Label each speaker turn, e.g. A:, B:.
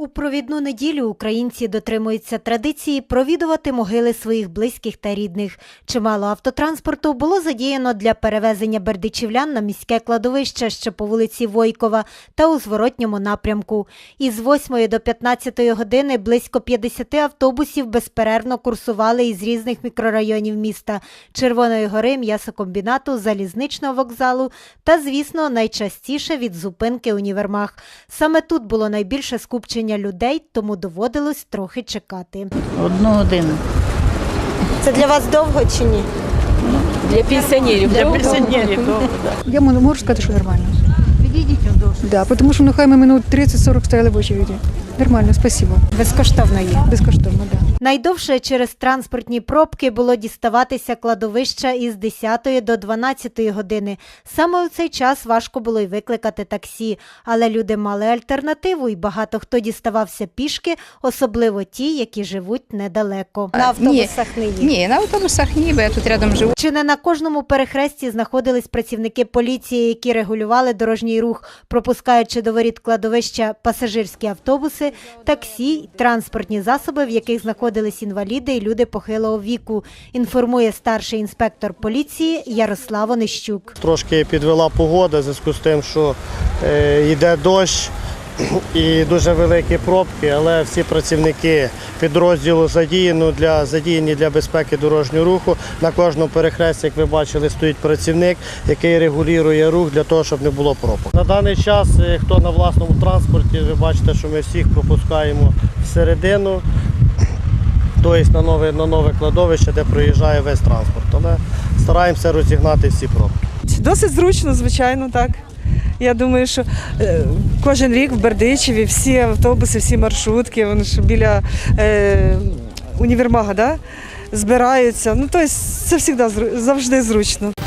A: У провідну неділю українці дотримуються традиції провідувати могили своїх близьких та рідних. Чимало автотранспорту було задіяно для перевезення бердичівлян на міське кладовище, що по вулиці Войкова, та у зворотньому напрямку. Із 8 до 15 години близько 50 автобусів безперервно курсували із різних мікрорайонів міста – Червоної Гори, м'ясокомбінату, залізничного вокзалу та, звісно, найчастіше від зупинки універмаг. Саме тут було найбільше скупчення людей, тому доводилось трохи чекати.
B: 1 годину.
A: Це для вас довго чи ні?
C: Для пенсіонерів.
B: Для пенсіонерів довго, так.
D: Я можу сказати, що нормально.
B: Підійдіть довше.
D: Да, тому що хай ми минут 30-40 стояли в очереді. Нормально, спасибо.
A: Безкоштовно є.
D: Безкоштовно, да.
A: Найдовше через транспортні пробки було діставатися кладовища із 10 до 12 години. Саме у цей час важко було й викликати таксі. Але люди мали альтернативу і багато хто діставався пішки, особливо ті, які живуть недалеко. На автобусах не є.
E: Ні, на автобусах ні, бо я тут рядом живу.
A: Чи не на кожному перехресті знаходились працівники поліції, які регулювали дорожній рух, пропускаючи до воріт кладовища пасажирські автобуси, таксі, транспортні засоби, в яких знаходились інваліди і люди похилого віку, інформує старший інспектор поліції Ярослав Онищук.
F: Трошки підвела погода в зв'язку з тим, що йде дощ і дуже великі пробки, але всі працівники підрозділу задіяні для безпеки дорожнього руху. На кожному перехресті, як ви бачили, стоїть працівник, який регулює рух для того, щоб не було пробок. На даний час, хто на власному транспорті, ви бачите, що ми всіх пропускаємо всередину, тобто на нове кладовище, де проїжджає весь транспорт. Але стараємося розігнати всі пробки.
G: Досить зручно, звичайно, так. Я думаю, що кожен рік в Бердичеві всі автобуси, всі маршрутки, вони ж біля універмага, да, збираються. Ну, тобто це завжди зручно.